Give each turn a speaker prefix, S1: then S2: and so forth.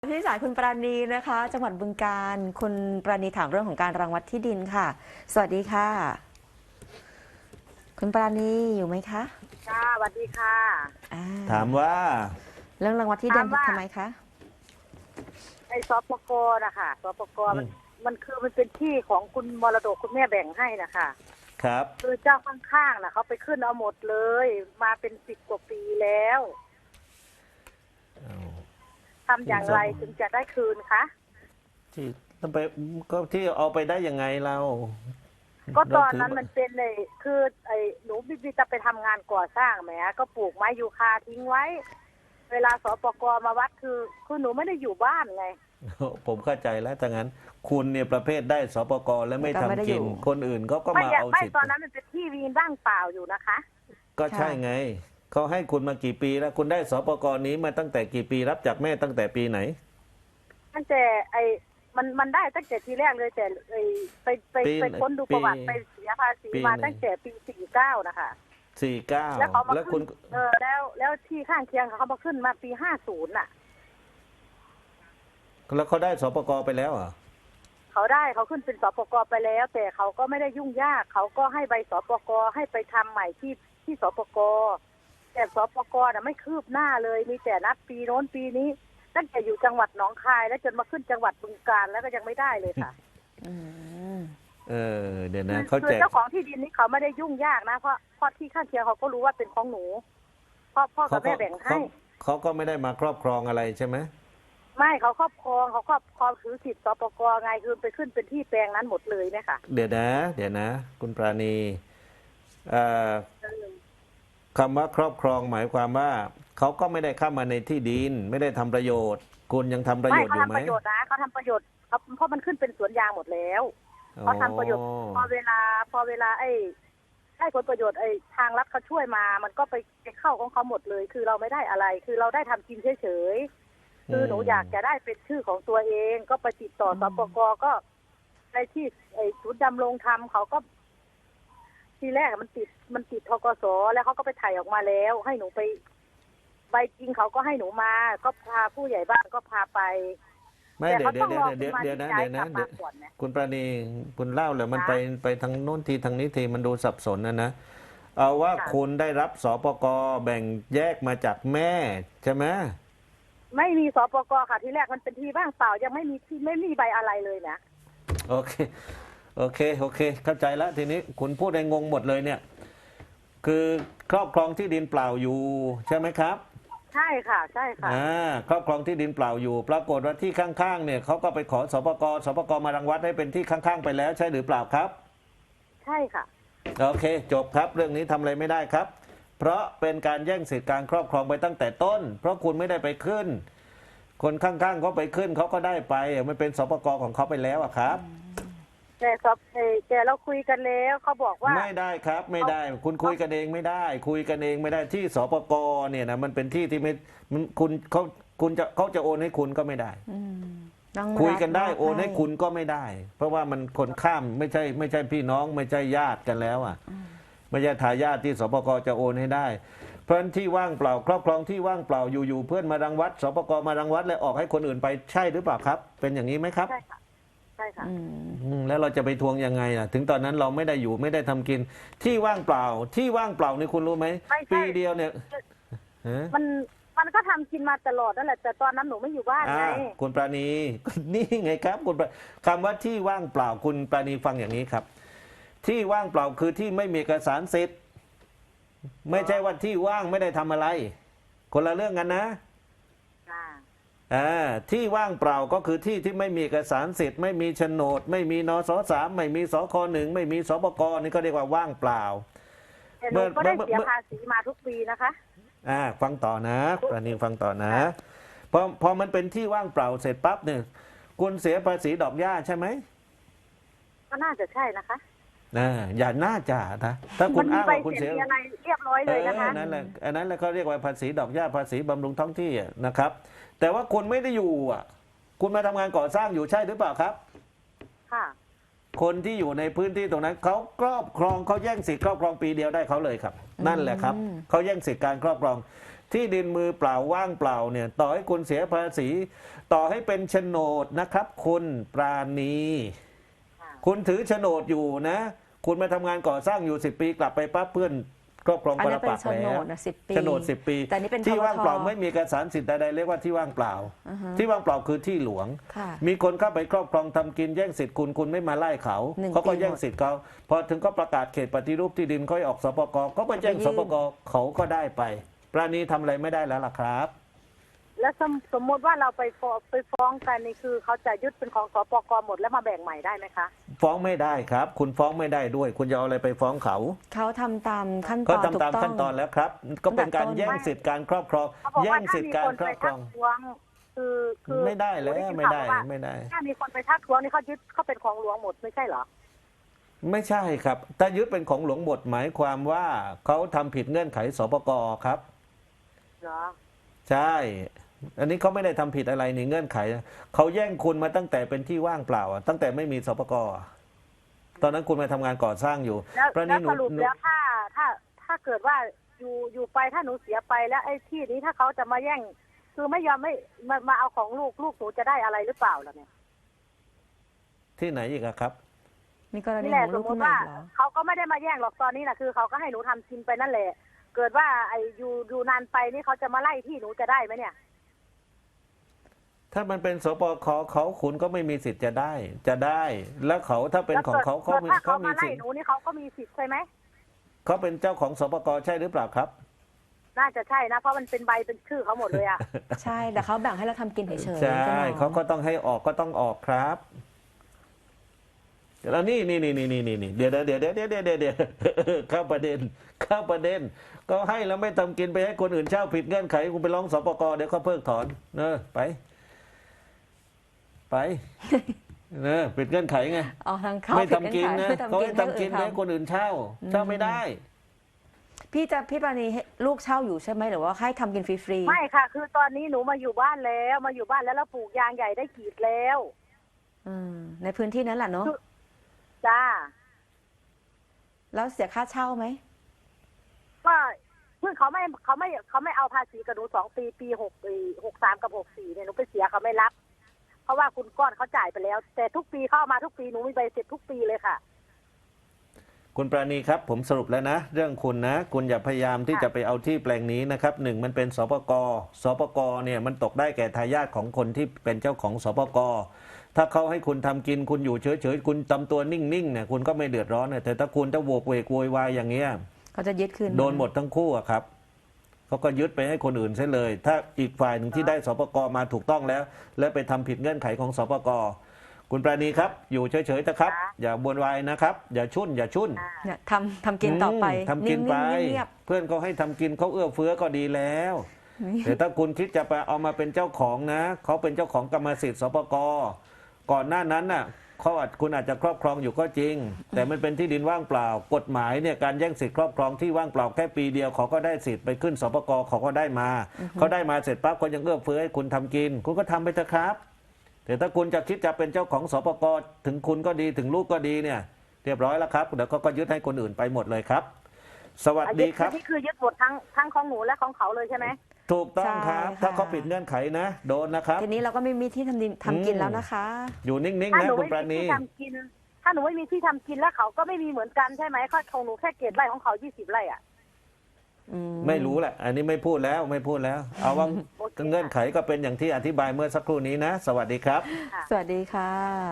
S1: ที่สายคุณปราณีนะคะจังหวัดบึงกาฬคุณปราณีถามเรื่องของการรังวัดที่ดินค่ะสวัสดีค่ะคุณปราณีอยู่ไหมคะ
S2: ค่ะสวัสดีค่ะ
S1: อ่า
S3: ถามว่า
S1: เรื่องรังวัดที่ดิน
S2: ถามว่า
S1: ทำไมคะ
S2: ไอ้สปกนะคะสปก
S3: อืม
S2: มันคือมันเป็นที่ของคุณมรดกคุณแม่แบ่งให้นะคะ
S3: ครับ
S2: คือเจ้าข้างๆนะเขาไปขึ้นเอาหมดเลย มาเป็น10 กว่าปีแล้ว
S3: เอา
S2: ทำอย่างไรถึงจะได้คืนคะ
S3: ที่ต้องไปก็ที่เอาไปได้ยังไงเรา
S2: ก็ตอนนั้น
S3: เราถื
S2: มันเป็นเลยคือไอ้หนูบิจะไปทำงานก่อสร้างไหมก็ปลูกไม้ยูคาทิ้งไว้ เวลาสปกมาวัดคือหนูไม่ได้อยู่บ้านไง
S3: ผมเข้าใจแล้วถ้างั้น คุณเนี่ยประเภทได้สปกและไม่ทำกิน คนอื่นเขาก็มาเอา
S2: ไม่
S3: สิทธิ์
S2: ตอนนั้นมันเป็นที่วีนว่างเปล่าอยู่นะคะ
S3: ก็ใช่ไงเขาให้คุณมากี่ปีแล้ว คุณได้สปกนี้มาตั้งแต่กี่ปีรับจากแม่ตั้งแต่ปีไหน
S2: ตั้งแต่มันได้ตั้งแต่ทีแรกเลยแต่ไปค้นดูประวัติไปเสียภาษีมาตั้งแต่ปี49นะคะ
S3: 49
S2: แล้วเขามา
S3: แล้วคุ
S2: ขึ้
S3: ณ
S2: นแล้วที่ข้างเคียงเขามาขึ้นมาปี50น่ะ
S3: แล้วเขาได้สปกไปแล้วเหรอ
S2: เขาขึ้นเป็นสปกไปแล้ว แต่เขาก็ไม่ได้ยุ่งยากเขาก็ให้ใบสปกให้ไปทำใหม่ที่สปกแต่สปกน่ะไม่คืบหน้าเลยมีแต่นัดปีโน้นปีนี้ตั้งแต่อยู่จังหวัดหนองคายแล้วจนมาขึ้นจังหวัดบึงกาฬแล้วก็ยังไม่ได้เลยค่ะ
S1: อืม
S3: เดี๋ยวนะเขา
S2: คือ
S3: แจก
S2: เจ้าของที่ดินนี้เขาไม่ได้ยุ่งยากนะเพราะที่ข้างเคียงเขาก็รู้ว่าเป็นของหนูพ่อกับแม่แบ่งให้
S3: เขาก็ไม่ได้มาครอบครองอะไรใช่ไหม
S2: ไม่เขาครอบครองถือสิทธิ์สปกไงคือไปขึ้นเป็นที่แปลงนั้นหมดเลยเนี่ยค่ะ
S3: เดี๋ยวนะ คุณปราณีเอ่อคำว่าครอบครองหมายความว่าเขาก็ไม่ได้เข้ามาในที่ดิน ไม่ได้ทำประโยชน์ คุณยังทำประโยชน์อ
S2: เขา
S3: ยู่
S2: ทำ
S3: ไหม
S2: ประโยชน์นะเขาทำประโยชน์เพราะมันขึ้นเป็นสวนยางหมดแล้วเขาทำประโยชน์พอเวลาให้ผลประโยชน์ทางรัฐเขาช่วยมา มันก็ไปเข้าของเขาหมดเลย คือเราไม่ได้อะไร คือเราได้ทำกินเฉยๆคือหนูอยากจะได้เป็นชื่อของตัวเอง ก็ไปติดต่อสปกก็ในที่ศูนย์ดำรงธรรมเขาก็ ทีแรกมันติดธกสแล้วเขาก็ไปถ่ายออกมาแล้ว ให้หนูไปใบจริงเขาก็ให้หนูมา ก็พาผู้ใหญ่บ้านก็พาไป
S3: ไม่
S2: แต่
S3: เดี๋ยว
S2: เขาต้องรอ
S3: เดี๋ยว
S2: คุณมา
S3: เดี๋ยว
S2: ที่
S3: นะ
S2: ย้าย
S3: เดี๋ยว
S2: กลั
S3: นะ
S2: บมาก่อนนะ
S3: คุณปราณีคุณเล่าเลยมัน
S2: ค่ะ
S3: ไปทางโน้นทีทางนี้ทีมันดูสับสนนะเอาว่า
S2: ค่ะ
S3: คุณได้รับสปกแบ่งแยกมาจากแม่ใช่ไหม
S2: ไม่มีสปกค่ะ ทีแรกมันเป็นที่ว่างเปล่ายังไม่มีที่ไม่มีใบอะไรเลยนะ
S3: โอเคเข้าใจแล้วทีนี้คุณพูดได้งงหมดเลยเนี่ย คือครอบครองที่ดินเปล่าอยู่ใช่ไหมครับ
S2: ใช่ค่ะ ใช่ค่ะ
S3: ครอบครองที่ดินเปล่าอยู่ ปรากฏว่าที่ข้างๆเนี่ยเขาก็ไปขอสปกมารังวัดให้เป็นที่ข้างๆไปแล้วใช่หรือเปล่าครับ
S2: ใช่ค่ะ
S3: โอเคจบครับเรื่องนี้ทำอะไรไม่ได้ครับ เพราะเป็นการแย่งสิทธิการครอบครองไปตั้งแต่ต้น เพราะคุณไม่ได้ไปขึ้น คนข้างๆเขาไปขึ้นเขาก็ได้ไปมันเป็นสปกของเขาไปแล้วอะครับ
S2: แต่เราคุยกันแล้วเขาบอกว่า
S3: ไม่ได้ครับไม่ได้ คุณคุยกันเองไม่ได้ คุยกันเองไม่ได้ที่สปกเนี่ยนะมันเป็นที่ที่ไม่มันเขาจะโอนให้คุณก็ไม่ได้
S1: อืมต้อง
S3: คุยกันได้
S1: รับ
S3: โอนให้คุณก็ไม่ได้ เพราะว่ามันคนข้ามไม่ใช่พี่น้องไม่ใช่ญาติกันแล้วอ่ะไม่ใช่ทายาทที่สปกจะโอนให้ได้ เพราะฉะนั้นที่ว่างเปล่าครอบครองที่ว่างเปล่าอยู่ๆเพื่อนมารังวัดสปกมารังวัดแล้วออกให้คนอื่นไปใช่หรือเปล่าครับ เป็นอย่างนี้ไหมครับ
S2: ใช่ค่ะ ใช่ค่ะ
S1: อืม
S3: แล้วเราจะไปทวงยังไงล่ะ ถึงตอนนั้นเราไม่ได้อยู่ไม่ได้ทำกิน ที่ว่างเปล่านี่คุณรู้ไหม
S2: ไม่ใช่
S3: ปีเดียวเนี่ยฮะ
S2: มันก็ทำกินมาตลอดนั่นแหละแต่ตอนนั้นหนูไม่อยู่บ้านไง
S3: คุณปราณี นี่ไงครับคำว่าที่ว่างเปล่าคุณปราณีฟังอย่างนี้ครับ ที่ว่างเปล่าคือที่ไม่มีเอกสารสิทธิ์ไม่ใช่ว่าที่ว่างไม่ได้ทำอะไร คนละเรื่องกันนะ ที่ว่างเปล่าก็คือที่ที่ไม่มีเอกสารสิทธิ์ไม่มีโฉนด ไม่มีนสสามไม่มีสคหนึ่งไม่มีสปกนี่ก็เรียกว่าว่างเปล่า
S2: แต่หนูก็ได้เสียภาษีมาทุกปีนะคะ
S3: ฟังต่อนะปราณีฟังต่อนะพอมันเป็นที่ว่างเปล่าเสร็จปั๊บเนี่ยคุณเสียภาษีดอกหญ้าใช่ไหม
S2: ก็น่าจะใช่นะคะ
S3: อย่าน่าจะนะถ้าคุณอ้างว่าคุณเสีย
S2: มีอะไรเรียบร้อยเลยนะคะ
S3: นั่นแหละอันนั้นแหละเขาเรียกว่าภาษีดอกหญ้าภาษีบำรุงท้องที่นะครับ แต่ว่าคุณไม่ได้อยู่คุณมาทำงานก่อสร้างอยู่ใช่หรือเปล่าครับ
S2: ค่ะ
S3: คนที่อยู่ในพื้นที่ตรงนั้นเขาครอบครองเขาแย่งสิทธิ์ครอบครองปีเดียวได้เขาเลยครับ นั่นแหละครับเขาแย่งสิทธิ์การครอบครองที่ดินมือเปล่าว่างเปล่าเนี่ยต่อให้คุณเสียภาษี ต่อให้เป็นโฉนดนะครับ คุณปราณี
S2: ค่ะ
S3: คุณถือโฉนดอยู่นะ คุณมาทำงานก่อสร้างอยู่10 ปีกลับไปปั๊บเพื่อนครอบครอง
S1: อัน
S3: ป
S1: นี้
S3: ร
S1: เป็น
S3: ปักษ์
S1: โฉน
S3: แล้ว
S1: ดนะ10 ปี
S3: โฉนด10 ปี
S1: แต่นี่เป็น
S3: ที่ว่างเปล่า
S1: ทบท
S3: ไม่มีเอกสารสิทธิ์ใดๆเรียกว่าที่ว่างเปล่า
S1: อือฮะ
S3: ที่ว่างเปล่าคือที่หลวง
S1: ค่ะ
S3: มีคนเข้าไปครอบครองทำกินแย่งสิทธิ์คุณไม่มาไล่เขา
S1: 1
S3: เขาก็
S1: ปี
S3: แย่งสิทธิ์เขาพอถึงก็ประกาศเขตปฏิรูปที่ดินค่อยออกสปกก็ไปแจ้ง
S1: ไปยื่
S3: ส
S1: น
S3: ปกเขาก็ได้ไปปราณีทำอะไรไม่ได้แล้วล่ะครับ
S2: แล้วสมมติว่าเราไปฟ้องกันนี่คือเขาจะยึดเป็นของสปกหมดแล้วมาแบ่งใหม่ได้ไหมคะ
S3: ฟ้องไม่ได้ครับ คุณฟ้องไม่ได้ด้วย คุณจะเอาอะไรไปฟ้องเขา
S1: เขาทำตามขั้นต
S3: เขา
S1: อนถู
S3: ทำตาม
S1: กต้อ
S3: ขั้
S1: ง
S3: นตอนแล้วครับ ก็เป็นการ
S1: ตั้งแต่ต้น
S3: แย่งสิทธิ์การครอบครอง
S2: เขาบอก
S3: แย่
S2: ว่าง ถ้า
S3: สิท
S2: มี
S3: ธิ์การ
S2: คน
S3: คร
S2: ไป
S3: อบคร
S2: ทั
S3: อก ง
S2: ท้วงคือ
S3: ไม่ได้แล้ว
S2: ข่าว
S3: ไม่ได้
S2: ว่า
S3: ไม่ได้
S2: ถ้ามีคนไปทักท้วงนี่เขายึดเขาเป็นของหลวงหมดไม่ใช่เหรอ
S3: ไม่ใช่ครับถ้ายึดเป็นของหลวงบทหมายความว่าเขาทำผิดเงื่อนไขสปกครับ
S2: เหรอ
S3: ใช่ อันนี้เขาไม่ได้ทำผิดอะไรในเงื่อนไขนะเขาแย่งคุณมาตั้งแต่เป็นที่ว่างเปล่าอะตั้งแต่ไม่มีสปกอะตอนนั้นคุณมาทำงานก่อสร้างอยู่
S2: แล้ว
S3: ประ
S2: แล้ว
S3: หนู
S2: สรุปแล้วถ้าเกิดว่าอยู่ไปถ้าหนูเสียไปแล้วไอ้ที่นี้ถ้าเขาจะมาแย่ง คือไม่ยอมไม่มาเอาของลูกหนูจะได้อะไรหรือเปล่าล่ะเนี่ย
S3: ที่ไหนอีกอะครับ
S1: มีกรณี
S2: นี่แห
S1: ข
S2: ละ
S1: อง
S2: ส
S1: ลู
S2: ม
S1: ก
S2: ม
S1: ขึ้น
S2: ติ
S1: มา
S2: ว่า
S1: อีกเหรอ
S2: เขาก็ไม่ได้มาแย่งหรอกตอนนี้นะคือเขาก็ให้หนูทำกินไปนั่นแหละ เกิดว่าไอ้อยู่นานไปนี่เขาจะมาไล่ที่หนูจะได้ไหมเนี่ย
S3: ถ้ามันเป็นสปกเขาคุณก็ไม่มีสิทธิ์จะได้ แล้วเขาถ้าเป็นของเขา
S2: แล้ว
S3: มี
S2: ถ้าเขา
S3: มี
S2: มาไล่
S3: สิทธิ์
S2: หนูนี่เขาก็มีสิทธิ์ใช่ไหม
S3: เขาเป็นเจ้าของสปกใช่หรือเปล่าครับ
S2: น่าจะใช่นะ เพราะมันเป็นใบเป็นชื่อเขาหมดเลยอะ
S1: ใช่แต่เขาแบ่งให้เราทำกินเฉยๆ
S3: ใช่
S1: จ้หมอ
S3: เขาก็ต้องให้ออกก็ต้องออกครับแล้วนี่เดี๋ยวเข้าประเด็นก็ให้แล้วไม่ทำกินไปให้คนอื่นเช่าผิดเงื่อนไขคุณไปร้องสปกเดี๋ยวเขาเพิกถอนเนอะไปเนอะผิดเงื่อนไขไง
S1: อ๋อทางเขา
S3: ไม่
S1: ผิด
S3: ทำกินนะ
S1: ไม่
S3: เขา
S1: ทำกิ
S3: ให้
S1: น
S3: ทำกินไปให้คนอื่นเช่าไม่ได้
S1: พี่ปราณีให้ลูกเช่าอยู่ใช่ไหมหรือว่าให้ทำกินฟรีๆ
S2: ไม่ค่ะ คือตอนนี้หนูมาอยู่บ้านแล้วแล้วปลูกยางใหญ่ได้ขีดแล้ว
S1: ในพื้นที่นั้นแหละเนาะ
S2: จ้า
S1: แล้วเสียค่าเช่าไหม
S2: ก็เพิ่งเขาไม่เอาภาษีกับหนู2 ปี63กับ64เนี่ยหนูไปเสียเขาไม่รับ เพราะว่าคุณก้อนเขาจ่ายไปแล้ว แต่ทุกปีเข้ามาทุกปีหนูมีใบเสร็จทุกปีเลยค่ะ
S3: คุณปราณีครับผมสรุปแล้วนะ เรื่องคุณนะ คุณอย่าพยายามที่จะไปเอาที่แปลงนี้นะครับหนึ่งมันเป็นสปกเนี่ยมันตกได้แก่ทายาทของคนที่เป็นเจ้าของสปกถ้าเขาให้คุณทำกินคุณอยู่เฉยๆคุณทำตัวนิ่งๆเนี่ยคุณก็ไม่เดือดร้อนเนี่ยแต่ถ้าคุณจะโวกเวกโวยวายอย่างเงี้ย
S1: เขาจะยึดคืน
S3: โดนหมดทั้งคู่อะครับเขาก็ยึดไปให้คนอื่นใช่เลย ถ้าอีกฝ่ายหนึ่งที่ได้สปกมาถูกต้องแล้ว และไปทำผิดเงื่อนไขของสปกคุณปราณีครับ อยู่เฉยๆนะครับ อย่าบวนวายนะครับ อย่าชุ่น
S1: เนี่ยทำกินต่อไป
S3: ทำกินไป
S1: นิ่งๆเงียบ
S3: เพื่อนเขาให้ทำกินเขาเอื้อเฟื้อก็ดีแล้ว
S1: ๆ
S3: แต่ถ้าคุณคิดจะไปเอามาเป็นเจ้าของนะเขาเป็นเจ้าของกรรมสิทธิ์สปกก่อนหน้านั้นน่ะคุณอาจจะครอบครองอยู่ก็จริง แต่มันเป็นที่ดินว่างเปล่า กฎหมายเนี่ยการแย่งสิทธิ์ครอบครองที่ว่างเปล่าแค่ปีเดียวเขาก็ได้สิทธิ์ไปขึ้นสปกเขาก็ได้มาเขาได้มาเสร็จปั๊บเขายังเอื้อเฟื้อให้คุณทำกิน คุณก็ทำไปเถอะครับ แต่ถ้าคุณจะคิดจะเป็นเจ้าของสปกถึงคุณก็ดีถึงลูกก็ดีเนี่ย เรียบร้อยแล้วครับเดี๋ยวเขาก็ยึดให้คนอื่นไปหมดเลยครับ สวัสดีครับ
S2: นี่คือยึดหมดทั้งของหนูและของเขาเลยใช่ไหม
S3: ถูกต้องครับ
S1: ใช่ค่ะ
S3: ถ้าเขาปิดเงื่อนไขนะ โดนนะครับ
S1: ทีนี้เราก็ไม่มีที่ทำกินแล้วนะคะ
S3: อยู่นิ่งๆ
S2: ถ้า
S3: นะ
S2: หนู
S3: คุณ
S2: ไม่
S3: ปรา
S2: มี
S3: ณี
S2: ที่ทำกิน ถ้าหนูไม่มีที่ทำกินแล้วเขาก็ไม่มีเหมือนกันใช่ไหมข้อของหนูแค่เกตไร่ของเขา20 ไร่อ่ะ
S3: ไม่รู้แหละ อันนี้ไม่พูดแล้วเอาว่า
S2: โอเค
S3: เงื่อนไขก็เป็นอย่างที่อธิบายเมื่อสักครู่นี้นะ สวัสดีครับ
S1: สวัสดีค่ะ